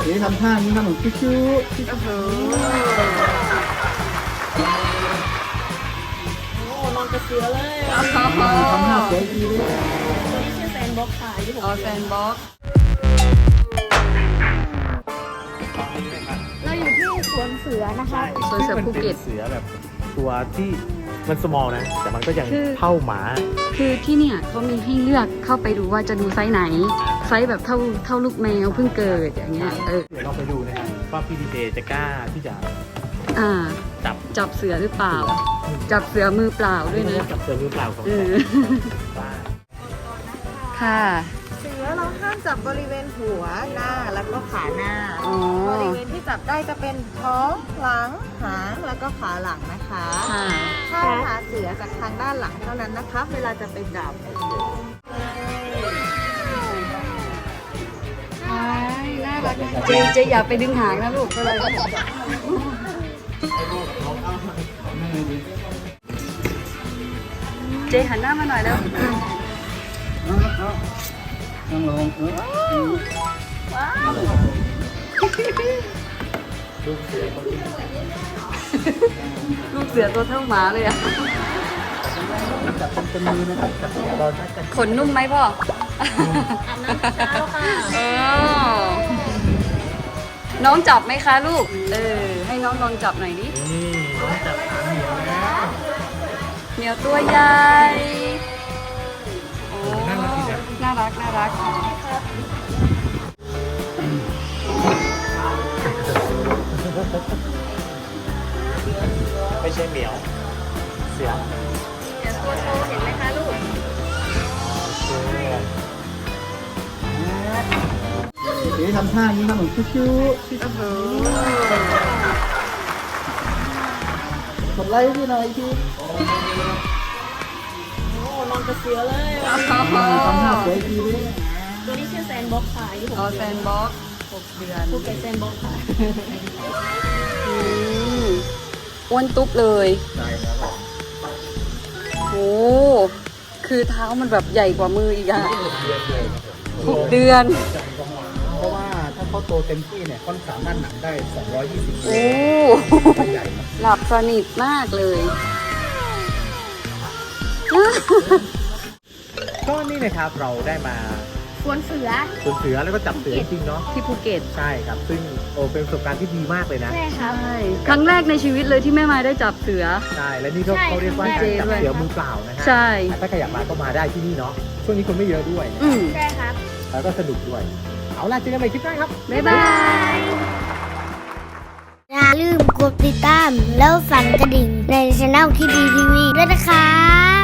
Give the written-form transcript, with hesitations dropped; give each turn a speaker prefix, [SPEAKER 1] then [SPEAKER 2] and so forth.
[SPEAKER 1] ดี๋ยวทำท่านี้ทำเหมือนคิ้วๆ
[SPEAKER 2] โอ้โห
[SPEAKER 3] นอนกระเสือเลย
[SPEAKER 1] ทำท่าสวยดีเลย
[SPEAKER 3] ตัวนี้ชื่อแซนบ็อกซ์ค่ะที่ผม
[SPEAKER 2] อ๋อแซนบ็อกซ์
[SPEAKER 3] เราอยู่ที่สวนเสือนะคะ
[SPEAKER 2] สวนเสือภูเก็ต
[SPEAKER 4] เสือแบบตัวที่มัน small นะ แต่มันก็ยัง
[SPEAKER 2] คือ
[SPEAKER 4] เท่าหมา
[SPEAKER 2] คือที่เนี่ยเขามีให้เลือกเข้าไปดูว่าจะดูไซส์ไหน ไซส์แบบเท่าลูกแมวเพิ่งเกิดอย่างเงี้ย
[SPEAKER 4] เดี๋ยวเราไปดูนะครับว่าพี่ดีเจจะกล้าที่จะ
[SPEAKER 2] อ่า
[SPEAKER 4] จับ
[SPEAKER 2] เสือหรือเปล่า จับเสือมือเปล่าด้วยนะ
[SPEAKER 4] จับเสือมือเปล่าของ
[SPEAKER 2] เอ
[SPEAKER 4] แต่
[SPEAKER 2] อ
[SPEAKER 4] ว่า
[SPEAKER 2] ค่ะ
[SPEAKER 5] เสือเราห้ามจับบริเวณหัวหน้าแล้วก็ขาหน้า
[SPEAKER 2] อ๋อ
[SPEAKER 5] บริเวณที่จับได้จะเป็นท้องหลังหางแล้วก็ขาหลังนะคะ
[SPEAKER 2] ค่ะ
[SPEAKER 5] ถ้าหาเสือจากทางด้านหลังเท่านั้นนะคะเวลาจะไปจับ
[SPEAKER 2] น่ารักเจอย่าไปดึงหางนะลูกอะไรเจหันหน้ามาหน่อยแล้ว
[SPEAKER 1] นั่งลง
[SPEAKER 2] ลูกเสือตัวเท่าหมาเลยอะ
[SPEAKER 1] จับเป็นมือนะครับจับเราจะจับ
[SPEAKER 2] ขนนุ่มไหมพ่อ
[SPEAKER 3] อาบน้ำเช้าค่ะ
[SPEAKER 2] เออน้องจับไหมคะลูก ให้น้องลองจับหน่อยดิ
[SPEAKER 4] นี่น้องจับหางเหนียวแล้ว
[SPEAKER 2] เหนียวตัวใหญ่โอ้
[SPEAKER 4] น่ารักดีนะ
[SPEAKER 2] น่ารักน่ารัก
[SPEAKER 4] ไม่ใช่เหมียว เสือ
[SPEAKER 2] เดี๋ยวตัวโตเห็นไหมคะลูก
[SPEAKER 1] เดี๋ยวทำท่านี้ทำเหมือนคิ้ว
[SPEAKER 2] โอ้โห
[SPEAKER 1] ๆกดไลค์พี่หน่อยพี่
[SPEAKER 3] นอนกระเสือเลย
[SPEAKER 1] ทำท่าสวยดีเลย
[SPEAKER 3] ตัวนี้ชื่อแซนบ็อกซ์ค่ะที่ผม
[SPEAKER 2] อ๋อแซนบ็อกซ์6 เดือน
[SPEAKER 3] ภูเก็ตแซนบ็อกซ์ค่ะ
[SPEAKER 2] อืมอ้วนตุ๊บเลย
[SPEAKER 1] ใช่ครับ
[SPEAKER 2] โอ้คือเท้ามันแบบใหญ่กว่ามืออีกอะ 6 เดือน
[SPEAKER 1] เพราะว่าถ้าเขาโตเต็มที่เนี่ยค่อนสามารถหนักได้220
[SPEAKER 2] โอ้
[SPEAKER 1] ใหญ่นะ
[SPEAKER 2] หลับสนิทมากเลย
[SPEAKER 4] ก็นี่นะครับเราได้มา
[SPEAKER 3] สวนเสือ
[SPEAKER 4] สวนเสือแล้วก็จับเสือจริงๆเนาะ
[SPEAKER 2] ที่ภูเก็ต
[SPEAKER 4] ใช่ครับ ซึ่งเป็นประสบการณ์ที่ดีมากเลยนะ
[SPEAKER 3] ใช่ครับ
[SPEAKER 2] ใช่ ครั้งแรกในชีวิตเลยที่แม่ไม้ได้จับเสือ
[SPEAKER 4] ใช่ และนี่ก็
[SPEAKER 3] ใช่
[SPEAKER 4] เขาเรียกว่า
[SPEAKER 3] ครั้
[SPEAKER 4] กาง ร
[SPEAKER 3] แรก
[SPEAKER 4] จับเสือมือเปล่านะฮะ
[SPEAKER 2] ใช่
[SPEAKER 4] ถ้าใครอยากมาก็มาได้ที่นี่เนาะ ช่วงนี้คนไม่เยอะด้วยนะ
[SPEAKER 2] อืม
[SPEAKER 3] ใช่ครับ
[SPEAKER 4] แล้วก็สนุกด้วย เอาล่ะเจอกันใหม่คลิปหน้าครับ
[SPEAKER 2] บ๊ายบาย
[SPEAKER 6] อย่าลืมกดติดตามแล้วสั่นกระดิ่งในช่องที่ดีทีวีด้วยนะครับ